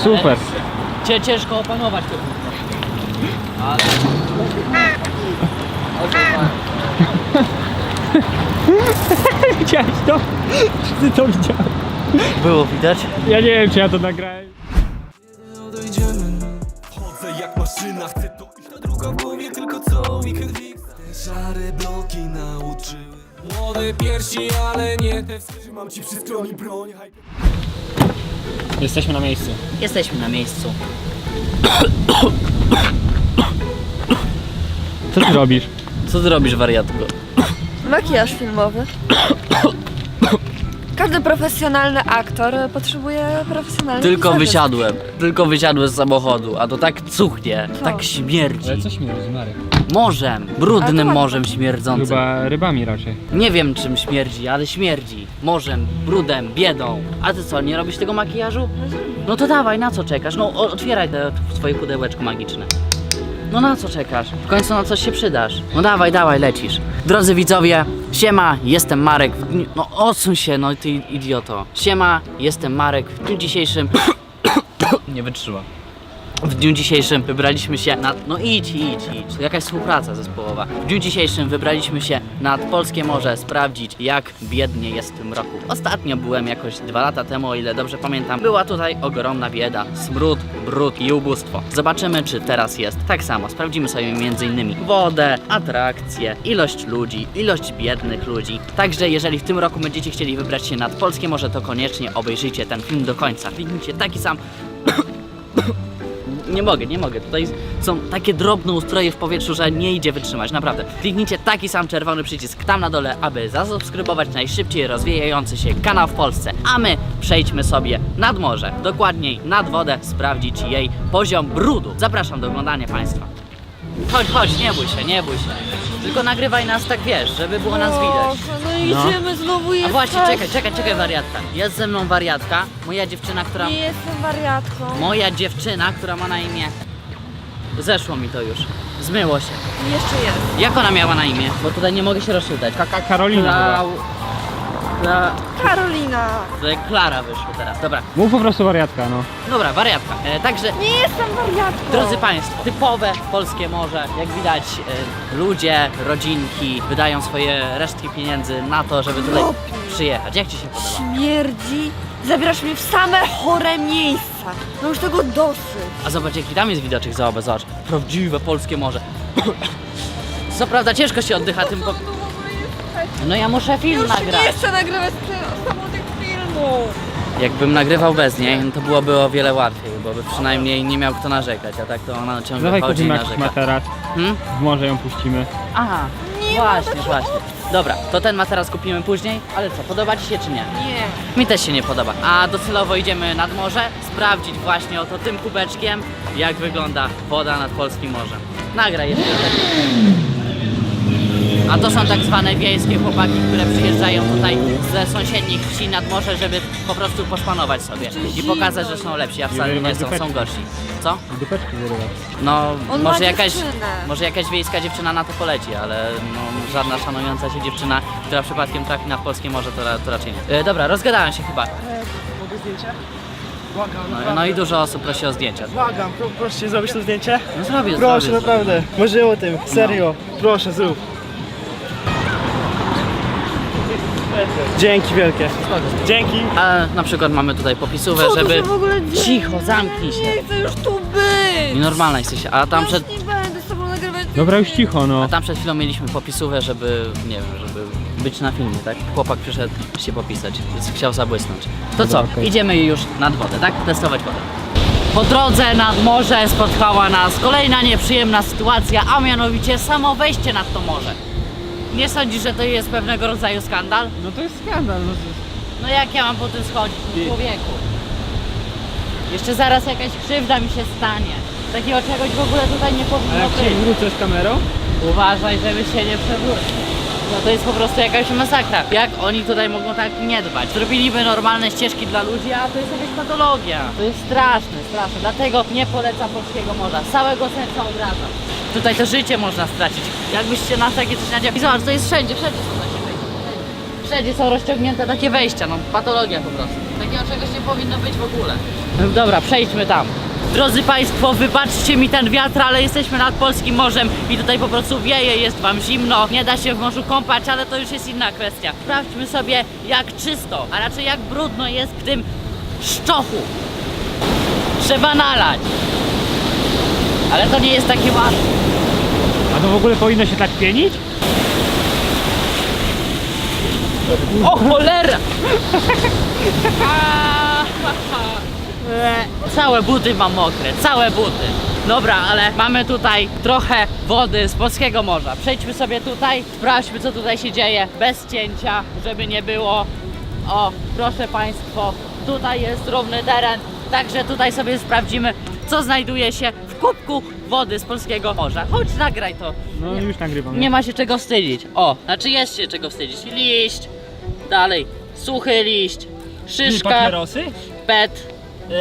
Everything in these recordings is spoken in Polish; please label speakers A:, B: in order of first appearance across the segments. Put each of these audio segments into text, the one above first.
A: super.
B: Ciężko opanować to. Ale...
A: Widziałeś to? Ty to widziałeś?
B: Było widać?
A: Ja nie wiem, czy ja to nagrałem.
C: Chodzę jak maszyna, chcę to iść. Ta druga w głowie, tylko co weekend fix. Te szare bloki nauczyły. Młode piersi, ale nie te. Trzymam ci przy stronie broń.
A: Jesteśmy na miejscu.
B: Jesteśmy na miejscu.
A: Co ty robisz?
B: Co ty robisz, wariatko?
D: Makijaż filmowy. Każdy profesjonalny aktor potrzebuje profesjonalnej
B: Tylko wysiadłem z samochodu, a to tak cuchnie,
D: Co?
B: tak śmierdzi.
A: Ale co śmierdzi, Marek?
B: Morzem,
D: Ale
B: brudnym
D: to
B: morzem śmierdzącym.
A: Chyba rybami raczej.
B: Nie wiem czym śmierdzi, ale śmierdzi. Morzem, brudem, biedą. A ty co, nie robisz tego makijażu? No to dawaj, na co czekasz? No otwieraj te swoje pudełeczko magiczne. No na co czekasz? W końcu na coś się przydasz. No dawaj, dawaj, lecisz. Drodzy widzowie, siema, jestem Marek. No odsuń się, no ty idioto. Siema, jestem Marek. W dniu dzisiejszym... Nie wytrzyma. W dniu dzisiejszym wybraliśmy się nad... No idź. Jakaś współpraca zespołowa. W dniu dzisiejszym wybraliśmy się nad polskie morze sprawdzić, jak biednie jest w tym roku. Ostatnio byłem jakoś 2 lata temu, o ile dobrze pamiętam. Była tutaj ogromna bieda, smród, brud i ubóstwo. Zobaczymy, czy teraz jest tak samo. Sprawdzimy sobie m.in. wodę, atrakcje, ilość ludzi, ilość biednych ludzi. Także jeżeli w tym roku będziecie chcieli wybrać się nad polskie morze, to koniecznie obejrzyjcie ten film do końca. Kliknijcie taki sam... Nie mogę. Tutaj są takie drobne ustroje w powietrzu, że nie idzie wytrzymać, naprawdę. Kliknijcie taki sam czerwony przycisk tam na dole, aby zasubskrybować najszybciej rozwijający się kanał w Polsce. A my przejdźmy sobie nad morze, dokładniej nad wodę, sprawdzić jej poziom brudu. Zapraszam do oglądania Państwa. Chodź, nie bój się. Tylko nagrywaj nas tak, wiesz, żeby było nas widać.
D: No idziemy znowu jechać.
B: A właśnie, czekaj, wariatka. Jest ze mną wariatka, moja dziewczyna, która...
D: Nie jestem wariatką.
B: Moja dziewczyna, która ma na imię... Zeszło mi to już. Zmyło się.
D: Jeszcze jest.
B: Jak ona miała na imię? Bo tutaj nie mogę się rozczytać.
A: Karolina
D: Karolina.
B: Tutaj Klara wyszło teraz. Dobra,
A: Mów po prostu wariatka, no.
B: dobra, wariatka. Także,
D: Nie jestem wariatką.
B: drodzy Państwo, typowe polskie morze. Jak widać, ludzie, rodzinki wydają swoje resztki pieniędzy na to, żeby tutaj przyjechać. Jak Ci się podoba?
D: Śmierdzi. Zabierasz mnie w same chore miejsca. No już tego dosyć.
B: A zobacz, jaki tam jest widoczek, zobacz. Prawdziwe polskie morze. Co prawda ciężko się oddycha tym po... No ja muszę film
D: Już
B: nagrać.
D: nie chcę nagrywać samotnych filmów.
B: Jakbym nagrywał bez niej, no to byłoby o wiele łatwiej, bo by przynajmniej nie miał kto narzekać, a tak to ona ciągle
A: Dawaj
B: chodzi i
A: kupimy jakiś
B: narzeka.
A: materac. W morze ją puścimy.
B: Aha, właśnie. Dobra, to ten materac kupimy później, ale co, podoba Ci się czy nie?
D: Nie.
B: Mi też się nie podoba. A docelowo idziemy nad morze, sprawdzić właśnie oto tym kubeczkiem, jak wygląda woda nad polskim morzem. Nagraj jeszcze tak. A to są tak zwane wiejskie chłopaki, które przyjeżdżają tutaj ze sąsiednich wsi nad morze, żeby po prostu poszpanować sobie i pokazać, że są lepsi, a wcale nie są, są gorsi. Co?
A: Dupeczki wyrywać.
B: No,
D: On ma dziewczynę.
B: może jakaś wiejska dziewczyna na to poleci, ale no, żadna szanująca się dziewczyna, która przypadkiem trafi na polskie morze, to raczej nie. Dobra, rozgadałem się chyba.
E: Mogę zdjęcie? Błagam,
B: No i dużo osób prosi o zdjęcia.
E: błagam, proszę zrobić to zdjęcie?
B: No zrobię,
E: Proszę,
B: zrobię.
E: naprawdę, marzyłem o tym, serio, proszę, zrób. Dzięki wielkie. Dzięki.
B: A na przykład mamy tutaj popisówę,
D: Co tu
B: żeby...
D: się w ogóle dzieje?
B: Cicho, zamknij się.
D: Nie chcę już tu być.
B: Nienormalna jesteś, a tam
D: Już
B: przed...
D: nie będę z tobą nagrywać.
A: Dobra, już cicho, no.
B: A tam przed chwilą mieliśmy popisówę, żeby, nie wiem, żeby być na filmie, tak? Chłopak przyszedł się popisać, więc chciał zabłysnąć. To co,
A: okej.
B: idziemy już nad wodę, tak? Testować wodę. Po drodze nad morze spotkała nas kolejna nieprzyjemna sytuacja, a mianowicie samo wejście nad to morze. Nie sądzisz, że to jest pewnego rodzaju skandal?
A: No to jest skandal, no.
B: No jak ja mam po tym schodzić, no człowieku? Jeszcze zaraz jakaś krzywda mi się stanie. Takiego czegoś w ogóle tutaj nie
A: A
B: powinno
A: jak się
B: być.
A: wrócę z kamerą?
B: Uważaj, żeby się nie przewrócić. No to jest po prostu jakaś masakra. Jak oni tutaj mogą tak nie dbać? Zrobiliby normalne ścieżki dla ludzi, a to jest jakaś patologia. To jest straszne. Dlatego nie polecam polskiego morza. Z całego serca odradzam. Tutaj to życie można stracić. Jakbyście na takie coś nadział. I zobacz, to jest wszędzie są takie wejścia. Wszędzie są rozciągnięte takie wejścia, no patologia po prostu. Takiego czegoś nie powinno być w ogóle. Dobra, przejdźmy tam. Drodzy Państwo, wybaczcie mi ten wiatr, ale jesteśmy nad polskim morzem i tutaj po prostu wieje, jest Wam zimno, nie da się w morzu kąpać, ale to już jest inna kwestia. Sprawdźmy sobie, jak czysto, a raczej jak brudno jest w tym szczochu. Trzeba nalać. Ale to nie jest takie łatwe.
A: A to w ogóle powinno się tak pienić?
B: O cholera! Całe buty mam mokre, całe buty. Dobra, ale mamy tutaj trochę wody z polskiego morza. Przejdźmy sobie tutaj, sprawdźmy co tutaj się dzieje, bez cięcia, żeby nie było. O, proszę Państwo, tutaj jest równy teren, także tutaj sobie sprawdzimy, co znajduje się w kubku wody z polskiego morza. Chodź, nagraj to.
A: No już nagrywam.
B: Nie ma się czego wstydzić. O, znaczy jest się czego wstydzić. Liść, dalej, suchy liść, szyszka,
A: Papierosy?
B: pet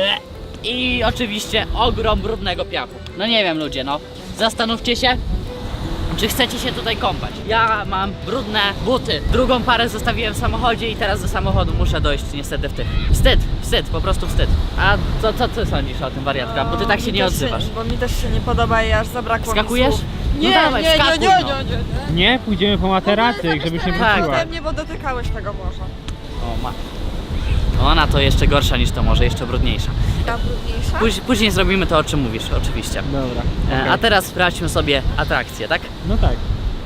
B: i oczywiście ogrom brudnego piachu. No nie wiem ludzie, no. Zastanówcie się, czy chcecie się tutaj kąpać. Ja mam brudne buty. Drugą parę zostawiłem w samochodzie i teraz do samochodu muszę dojść niestety w tych. Wstyd, wstyd, po prostu wstyd. A co ty sądzisz o tym, wariatka? Bo ty tak się nie odzywasz.
D: Bo mi też się nie podoba i aż zabrakło mi
B: Skakujesz?
D: słów.
B: No
D: Nie,
B: dawaj,
D: nie, nie,
B: wskakuj,
D: nie,
B: no.
D: nie, nie, nie.
A: Nie, pójdziemy po materacyk, żebyś nie
B: Tak,
A: wróciła.
D: Tak, mnie, bo dotykałeś tego morza.
B: O, ma. Ona to jeszcze gorsza niż to może, jeszcze brudniejsza.
D: Ta brudniejsza?
B: Później zrobimy to, o czym mówisz, oczywiście.
A: Dobra.
B: A teraz sprawdźmy sobie atrakcję, tak?
A: No tak.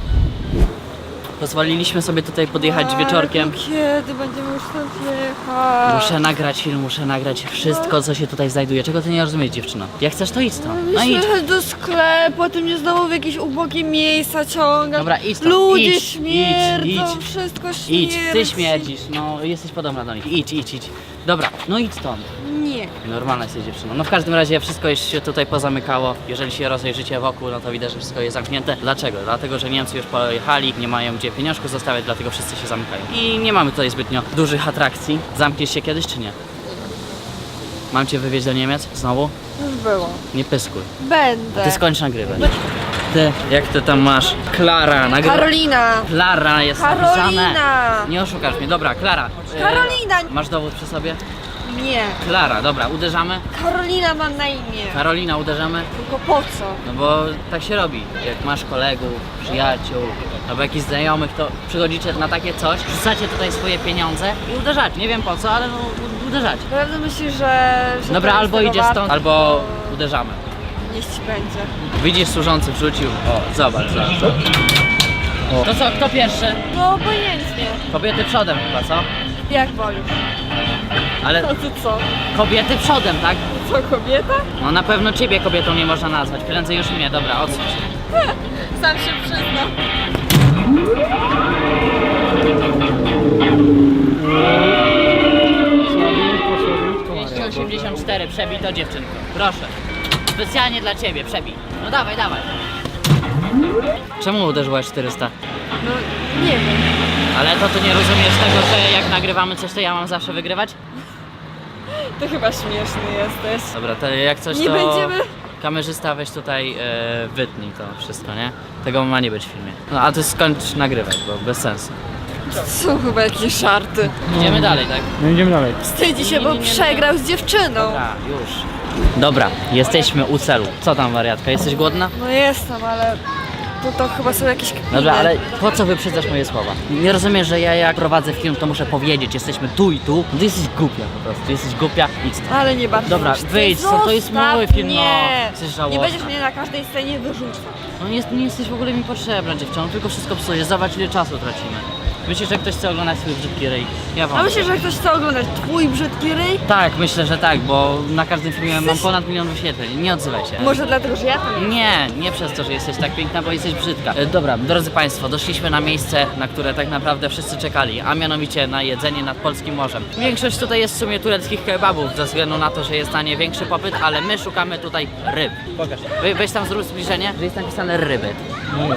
B: Pozwoliliśmy sobie tutaj podjechać wieczorkiem.
D: Kiedy będziemy już tam jechać?
B: Muszę nagrać film, muszę nagrać wszystko, co się tutaj znajduje. Czego ty nie rozumiesz, dziewczyno? Jak chcesz, to idź stąd. No idź.
D: Jechać do sklepu, a ty mnie znowu w jakieś ubogie miejsca ciągasz.
B: Dobra, idź stąd.
D: Ludzie
B: Idź,
D: śmierdzą,
B: idź.
D: wszystko śmierdzi.
B: Idź, ty śmierdzisz, no jesteś podobna do nich. Idź, idź, idź. Dobra, no idź stąd.
D: Nie.
B: Normalna jesteś dziewczyną. No w każdym razie wszystko już się tutaj pozamykało. Jeżeli się rozejrzycie wokół, no to widać, że wszystko jest zamknięte. Dlaczego? Dlatego, że Niemcy już pojechali, nie mają gdzie pieniążków zostawiać, dlatego wszyscy się zamykają. I nie mamy tutaj zbytnio dużych atrakcji. Zamkniesz się kiedyś, czy nie? Mam cię wywieźć do Niemiec? Znowu?
D: Już było.
B: Nie pyskuj.
D: Będę.
B: Ty skończ nagrywać. Ty, jak ty tam masz? Klara, nagrywa.
D: Karolina.
B: Klara jest napisane.
D: Karolina.
B: Nie oszukasz mnie. Dobra, Klara.
D: Karolina.
B: Masz dowód przy sobie?
D: Nie.
B: Klara, dobra, uderzamy.
D: Karolina ma na imię.
B: Karolina, uderzamy.
D: Tylko po co?
B: No bo tak się robi. Jak masz kolegów, przyjaciół, albo jakichś znajomych, to przychodzicie na takie coś, rzucacie tutaj swoje pieniądze i uderzacie. Nie wiem po co, ale no uderzacie.
D: Naprawdę myślisz, że
B: Dobra,
D: to jest
B: albo
D: tego
B: idziesz
D: warte?
B: stąd, albo uderzamy.
D: Niech ci będzie.
B: Widzisz, służący wrzucił. O, zobacz, zobacz. O. To co, kto pierwszy?
D: No obojętnie.
B: Kobiety przodem chyba, co?
D: Jak wolisz?
B: Ale
D: No to co?
B: kobiety przodem, tak?
D: Co, kobieta?
B: No na pewno ciebie kobietą nie można nazwać, prędzej już mnie, dobra, odsuń się.
D: Sam się przyznam.
A: Słabiutko,
B: 284, przebij to dziewczynko, proszę. Specjalnie dla ciebie, przebij. No dawaj, dawaj. Czemu uderzyłaś 400?
D: No nie wiem.
B: Ale to ty nie rozumiesz tego, że jak nagrywamy coś, to ja mam zawsze wygrywać?
D: To chyba śmieszny jesteś.
B: Dobra, to jak coś,
D: Nie
B: to
D: będziemy...
B: kamerzysta weź tutaj wytnij to wszystko, nie? Tego ma nie być w filmie. No a ty skończ nagrywać, bo bez sensu.
D: Są chyba jakieś żarty.
B: Idziemy dalej, tak?
A: No idziemy dalej.
D: Wstydzi się, bo
B: Nie, nie, nie.
D: przegrał z dziewczyną.
B: Dobra, już. Dobra, jesteśmy u celu. Co tam, wariatka? Jesteś głodna?
D: No jestem, ale to chyba są jakieś kpiny.
B: Dobra, ale po co wyprzedzasz moje słowa? Nie rozumiesz, że ja jak prowadzę film, to muszę powiedzieć, jesteśmy tu i tu? No ty jesteś głupia po prostu, jesteś głupia, idź stąd.
D: Ale nie bardzo.
B: Dobra,
D: już chcę.
B: wyjdź stąd, to jest
D: Zostaw
B: mój film, no.
D: mnie.
B: Jesteś
D: Nie
B: żałosna.
D: będziesz mnie na każdej scenie wyrzucał.
B: No nie jesteś w ogóle mi potrzebna, dziewczyno, tylko wszystko psujesz, zobacz ile czasu tracimy. Myślisz, że ktoś chce oglądać swój brzydki ryj? Ja
D: A
B: wam.
D: myślisz, że ktoś chce oglądać twój brzydki ryj?
B: Tak, myślę, że tak, bo na każdym filmie mam ponad 1 milion wyświetleń, nie odzywaj się.
D: Może dlatego, że ja tam
B: Nie, nie przez to, że jesteś tak piękna, bo jesteś brzydka. Dobra, drodzy Państwo, doszliśmy na miejsce, na które tak naprawdę wszyscy czekali, a mianowicie na jedzenie nad polskim morzem. Większość tutaj jest w sumie tureckich kebabów, ze względu na to, że jest na nie większy popyt, ale my szukamy tutaj ryb. Pokaż. Weź tam zrób zbliżenie, że jest napisane ryby.
A: No jest.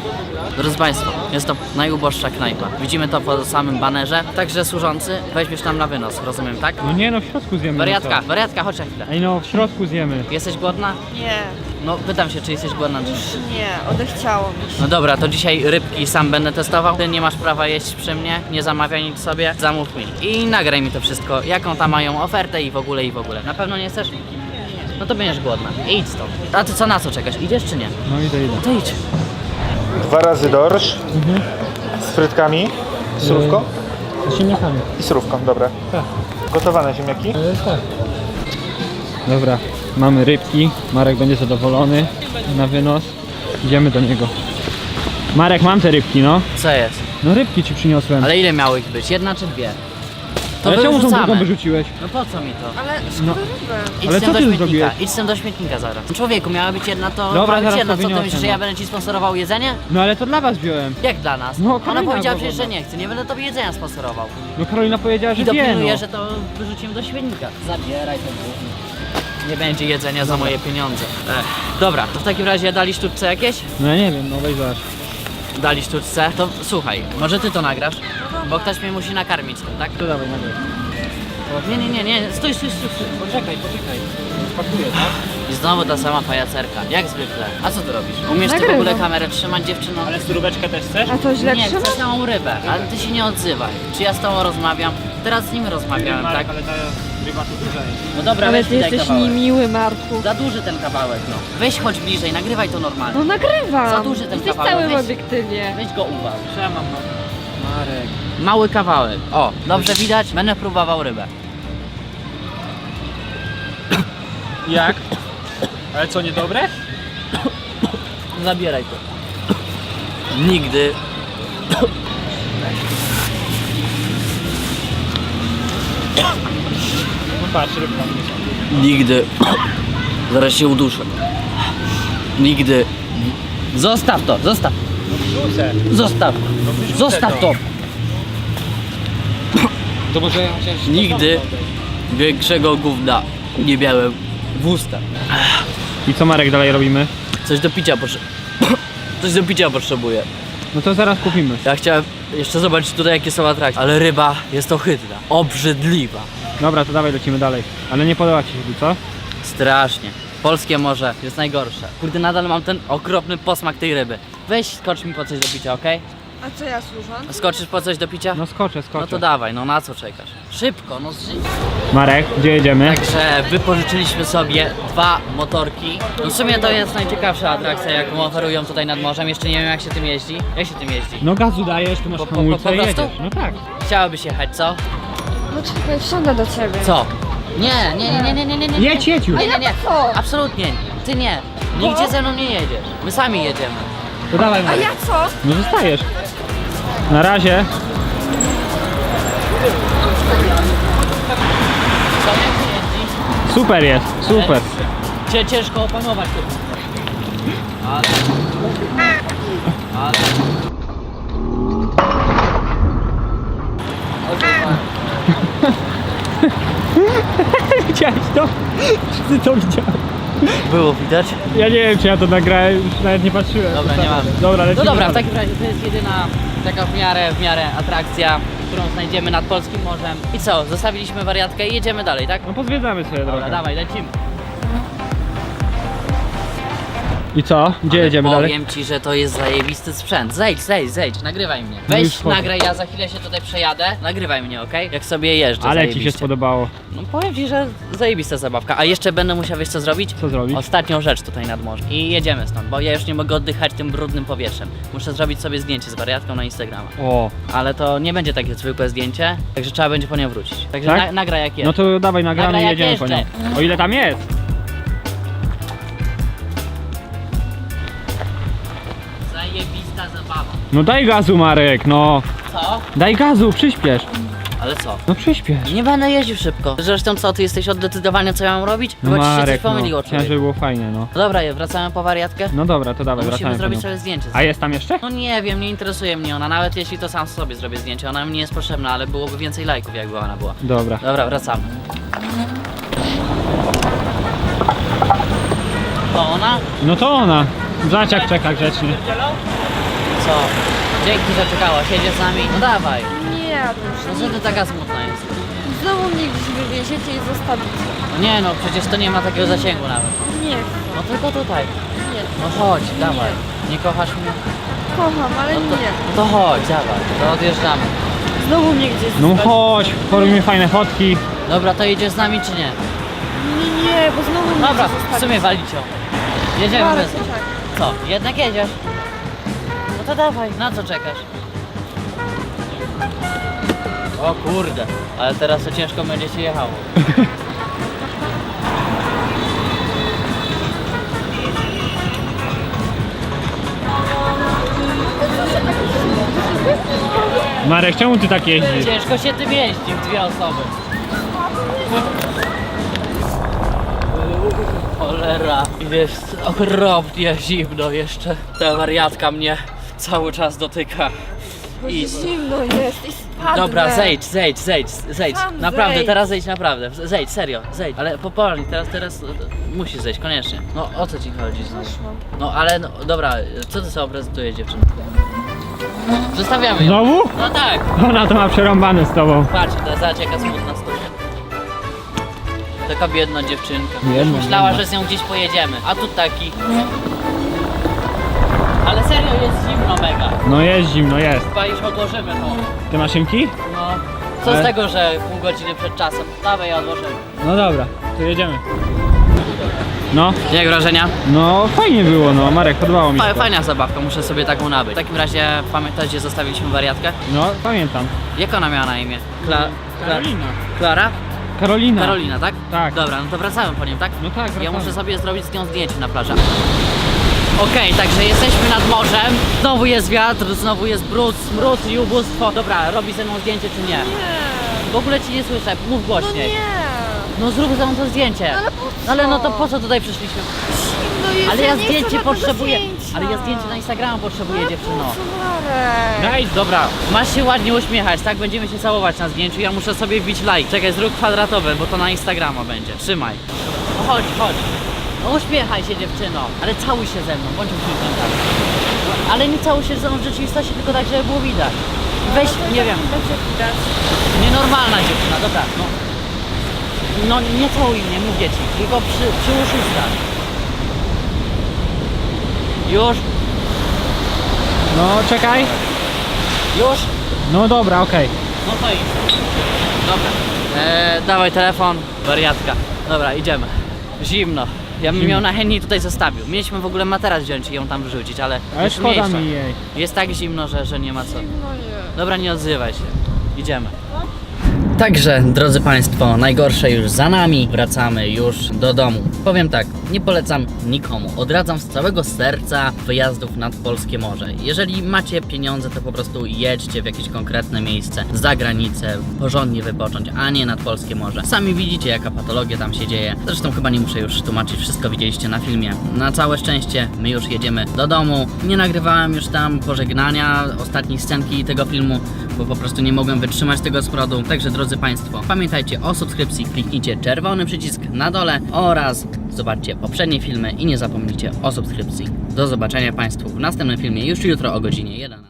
B: Drodzy Państwo, jest to najuboższa knajpa. Widzimy to po samym banerze. Także służący, weźmiesz tam na wynos, rozumiem, tak?
A: No nie no, w środku zjemy.
B: Wariatka,
A: No co?
B: wariatka, chodź na chwilę.
A: Ej no, w środku zjemy.
B: Jesteś głodna?
D: Nie,
B: No pytam się, czy jesteś głodna, czy...
D: już nie, odechciało mi się.
B: No dobra, to dzisiaj rybki sam będę testował. Ty nie masz prawa jeść przy mnie, nie zamawiaj nic sobie, zamów mi. I nagraj mi to wszystko, jaką tam mają ofertę i w ogóle, i w ogóle. Na pewno nie chcesz? No to będziesz głodna. Idź stąd. A ty co, na co czekasz? Idziesz czy nie?
A: No idę.
B: To idź.
F: 2 razy dorsz z frytkami, surówką
A: Z ziemniakami.
F: i surówką, dobra.
A: Tak.
F: Gotowane ziemniaki?
A: Tak. Dobra, mamy rybki. Marek będzie zadowolony na wynos. Idziemy do niego. Marek, mam te rybki, no.
B: Co jest?
A: No rybki ci przyniosłem.
B: Ale ile miało ich być? Jedna czy dwie? To
A: Ale czemu tą
B: wyrzucamy.
A: drugą wyrzuciłeś?
B: No po co mi to?
D: Ale
A: No.
D: szkoda ryby.
B: Idź
A: Ale
B: z tym
A: co
B: do
A: ty
B: śmietnika.
A: zrobiłeś?
B: Idź z tym do śmietnika zaraz. Człowieku, miała być jedna, to
A: Dobra,
B: ma być
A: zaraz
B: jedna.
A: to
B: Co ty
A: wyniosę,
B: myślisz, że
A: no.
B: ja będę ci sponsorował jedzenie?
A: No ale to dla was wziąłem.
B: Jak dla nas?
A: No,
B: Ona
A: Karolina
B: powiedziała
A: była
B: przecież, że
A: wolna.
B: nie chce. Nie będę tobie jedzenia sponsorował.
A: No Karolina powiedziała, że
B: I
A: wie,
B: dopilnuję,
A: no.
B: że to wyrzucimy do śmietnika. Zabieraj to gówno. Nie będzie jedzenia za moje pieniądze. Dobra, to w takim razie dali sztuczce jakieś?
A: No ja nie wiem, no weź zobacz.
B: Dali sztuczce. To słuchaj, może ty to nagrasz? Bo ktoś mnie musi nakarmić tym, tak?
A: To dawaj, nagraj.
B: Nie, stój. Poczekaj. Spakuję, tak? I znowu ta sama pajacerka, jak zwykle. A co ty robisz? Umiesz ty w
D: Nagrywam.
B: ogóle kamerę trzymać, dziewczyno?
A: Ale suróweczkę też chcesz?
D: A to źle
B: Nie,
D: trzyma?
B: chcę całą rybę, ale ty się nie odzywaj. Czy ja z tobą rozmawiam? Teraz z nim rozmawiałem, tak?
A: Ale ta ryba to duża jest.
B: No dobra,
D: Ale
B: weź
D: ty
B: mi daj
D: jesteś
B: kawałek.
D: niemiły, Marku.
B: Za duży ten kawałek, no. Weź chodź bliżej, nagrywaj to normalnie.
D: No nagrywam.
B: Za duży ten
D: Jesteś
B: kawałek,
D: całym
B: weź.
D: obiektywie.
B: Weź go uwal.
A: Trzymam, no. Marek.
B: Mały kawałek. O, dobrze widać? Będę próbował rybę.
A: Jak? Ale co, niedobre?
B: Zabieraj to. Nigdy.
A: No patrz, rybka.
B: Nigdy. Zaraz się uduszę. Nigdy. Zostaw to, zostaw.
A: Wrzucę.
B: Zostaw.
A: wyrzucę
B: Zostaw to.
A: To może chociaż...
B: Nigdy większego gówna nie miałem w ustach.
A: I co Marek dalej robimy?
B: Coś do picia Coś do picia potrzebuję.
A: No to zaraz kupimy.
B: Ja chciałem jeszcze zobaczyć tutaj jakie są atrakcje. Ale ryba jest ohydna. Obrzydliwa.
A: Dobra, to dawaj lecimy dalej. Ale nie podoba ci się tu, co?
B: Strasznie. Polskie morze jest najgorsze. Kurde, nadal mam ten okropny posmak tej ryby. Weź skocz mi po coś do picia, okej?
D: A co ja służę?
B: Skoczysz po coś do picia?
A: No skoczę.
B: No to dawaj, no na co czekasz? Szybko, no
A: Marek, gdzie jedziemy?
B: Także wypożyczyliśmy sobie 2 motorki. No w sumie to jest najciekawsza atrakcja, jaką oferują tutaj nad morzem. Jeszcze nie wiem jak się tym jeździ. Jak się tym jeździ?
A: No gazu dajesz, tu masz
B: Po
A: hamulce i
B: prostu?
A: jedziesz. No tak.
B: Chciałabyś jechać, co?
D: No czekaj, wsiądę do ciebie.
B: Co? Nie.
A: Jedź już.
B: Nie.
D: co?
B: Absolutnie. Ty nie. Nigdzie ze mną nie jedziesz. My sami jedziemy.
A: To dawaj
D: A
A: Marek.
D: ja co?
A: No zostajesz. Na razie.
B: Co, jak się jeździ?
A: Super jest, super.
B: Ciężko opanować to. Ale...
A: Widziałeś to? Czy ty to widziałeś?
B: Było widać?
A: Ja nie wiem, czy ja to nagrałem, już nawet nie patrzyłem.
B: Dobra, nie mamy.
A: Dobra,
B: No
A: lecimy
B: dobra, w
A: dalej.
B: takim razie to jest jedyna taka w miarę atrakcja, którą znajdziemy nad polskim morzem. I co, zostawiliśmy wariatkę i jedziemy dalej, tak?
A: No pozwiedzamy sobie
B: Dobra,
A: drogę.
B: dawaj, lecimy.
A: I co? Gdzie
B: Ale
A: jedziemy dalej?
B: powiem ci, że to jest zajebisty sprzęt. Zejdź, nagrywaj mnie.
A: No już
B: Weź,
A: wchodzę.
B: nagraj, ja za chwilę się tutaj przejadę. Nagrywaj mnie, okej? Jak sobie jeżdżę,
A: Ale ci się
B: zajebiście.
A: spodobało.
B: No powiem ci, że zajebista zabawka. A jeszcze będę musiał, wiesz co zrobić?
A: Co zrobić?
B: Ostatnią rzecz tutaj nad morzem. I jedziemy stąd, bo ja już nie mogę oddychać tym brudnym powietrzem. Muszę zrobić sobie zdjęcie z wariatką na Instagrama.
A: O,
B: Ale to nie będzie takie zwykłe zdjęcie, także trzeba będzie po nią wrócić. Także
A: Tak?
B: nagraj jak jest.
A: no to dawaj, nagramy
B: Nagraj,
A: i
B: jak
A: jedziemy po nią.
B: jeżdżę.
A: O ile tam jest?
B: Zajebista zabawa.
A: No daj gazu Marek, no.
B: Co?
A: Daj gazu, przyspiesz.
B: Ale co?
A: No przyspiesz.
B: Nie będę jeździł szybko. Zresztą co, ty jesteś od decydowania co ja mam robić?
A: No
B: Chyba ci się coś
A: Marek,
B: pomyliło,
A: no. Chciałem,
B: człowiek.
A: żeby było fajnie, no.
B: No dobra, wracamy po wariatkę?
A: No dobra, to dawaj,
B: Musimy
A: wracamy po
B: zrobić
A: nią.
B: sobie zdjęcie.
A: A jest tam jeszcze?
B: No nie wiem, nie interesuje mnie ona, nawet jeśli to sam sobie zrobię zdjęcie, ona mi nie jest potrzebna, ale byłoby więcej lajków jakby ona była.
A: Dobra.
B: Dobra, wracamy. To ona?
A: No to ona. Zobacz jak czeka grzecznie.
B: co? Dzięki, że czekałaś, jedziesz z nami? No dawaj.
D: Nie,
B: No co ty taka smutna jest?
D: znowu mnie gdzieś wywieziecie i zostawicie.
B: No nie no, przecież to nie ma takiego zasięgu nawet.
D: Nie chcę,
B: No tylko tutaj.
D: nie.
B: No chodź, dawaj. Nie kochasz mnie?
D: Kocham, ale
B: No to,
D: nie.
B: no to chodź, dawaj, to odjeżdżamy.
D: Znowu mnie gdzieś
A: No
D: zostawicie.
A: chodź, porobimy fajne fotki.
B: Dobra, to jedziesz z nami czy nie?
D: Nie, bo znowu mnie
B: Dobra,
D: gdzieś
B: w
D: zostawicie.
B: sumie walicie. Jedziemy
D: Marek,
B: bez...
D: czekaj.
B: Co, jednak jedziesz? No to dawaj, na co czekasz? O kurde, ale teraz to ciężko będzie się jechało.
A: Marek, czemu ty tak jeździsz?
B: Ciężko się tym jeździ w dwie osoby. Cholera, jest okropnie zimno jeszcze. Ta wariatka mnie cały czas dotyka.
D: Bo
B: I...
D: zimno jest i spadnę.
B: Dobra, zejdź.
D: Sam
B: Naprawdę,
D: zejdź.
B: teraz zejdź, naprawdę. Zejdź, serio, zejdź. Ale poważnie, teraz musisz zejść, koniecznie. No o co ci chodzi znowu?
D: Zeszłam.
B: No ale no, dobra, co ty sobie prezentujesz dziewczynę? Zostawiamy ją.
A: Znowu?
B: No tak.
A: Ona to ma przerąbane z tobą.
B: Patrz, ta zacieka smutna stoi. Taka biedna dziewczynka. Już
A: Biedna,
B: myślała,
A: biedna.
B: że z nią gdzieś pojedziemy. A tu taki. Ale serio, jest zimno mega.
A: No jest zimno, jest.
B: Chyba już odłożymy to.
A: Te maszynki?
B: No. Co
A: Ale-
B: z tego, że pół godziny przed czasem? Dawaj, ja odłożymy.
A: No dobra, to jedziemy. No,
B: Jak wrażenia?
A: no fajnie było, no Marek, podobało mi się to.
B: Fajna zabawka, muszę sobie taką nabyć. W takim razie pamiętasz, gdzie zostawiliśmy wariatkę?
A: No, pamiętam.
B: Jak ona miała na imię?
A: Karolina.
B: Klara?
A: Karolina.
B: Karolina, tak?
A: Tak.
B: Dobra, no to wracamy po nią, tak?
A: No tak,
B: Ja
A: wracamy.
B: muszę sobie zrobić z nią zdjęcie na plaży. Okej, także jesteśmy nad morzem. Znowu jest wiatr, znowu jest brud, smród i ubóstwo. Dobra, robi ze mną zdjęcie czy nie?
D: Nie.
B: W ogóle ci nie słyszę, mów
D: No
B: głośniej.
D: nie.
B: No zrób ze mną to zdjęcie.
D: Ale po co?
B: No ale no to po co tutaj przyszliśmy?
D: Zimno jest,
B: Ale ja
D: nie chcę
B: zdjęcie
D: żadnego
B: potrzebuję.
D: zdjęcia.
B: Ale ja zdjęcie na Instagrama potrzebuję,
D: Ale
B: dziewczyno.
D: po co, Marek?
A: Daj,
B: Dobra, masz się ładnie uśmiechać, tak? Będziemy się całować na zdjęciu. Ja muszę sobie wbić like. Czekaj, zrób kwadratowe, bo to na Instagrama będzie. Trzymaj. No chodź. No uśmiechaj się, dziewczyno. Ale całuj się ze mną, bądź uśmiechnięta. Ale nie całuj się ze mną w rzeczywistości, tylko tak, żeby było widać. Weź, nie wiem,
D: Będzie widać.
B: nienormalna dziewczyna, dobra, no. No nie całuj mnie, mówię ci, tylko przy uszystach. Już,
A: no czekaj.
B: już.
A: No dobra, okej.
B: No to idź. Dobra. Dawaj telefon, wariatka. Dobra, idziemy. Zimno. Ja bym ją na chętniej tutaj zostawił. Mieliśmy w ogóle materac wziąć i ją tam wrzucić, ale
A: Ale
B: już
A: szkoda
B: mniejsza.
A: mi jej.
B: Jest tak zimno, że nie ma co.
D: Zimno jest.
B: Dobra, nie odzywaj się. Idziemy. Także, drodzy Państwo, najgorsze już za nami, wracamy już do domu. Powiem tak, nie polecam nikomu, odradzam z całego serca wyjazdów nad polskie morze. Jeżeli macie pieniądze, to po prostu jedźcie w jakieś konkretne miejsce, za granicę, porządnie wypocząć, a nie nad polskie morze. Sami widzicie, jaka patologia tam się dzieje. Zresztą chyba nie muszę już tłumaczyć, wszystko widzieliście na filmie. Na całe szczęście, my już jedziemy do domu. Nie nagrywałem już tam pożegnania, ostatniej scenki tego filmu, bo po prostu nie mogłem wytrzymać tego smrodu. Także drodzy Państwo, pamiętajcie o subskrypcji, kliknijcie czerwony przycisk na dole oraz zobaczcie poprzednie filmy i nie zapomnijcie o subskrypcji. Do zobaczenia Państwu w następnym filmie już jutro o godzinie 1.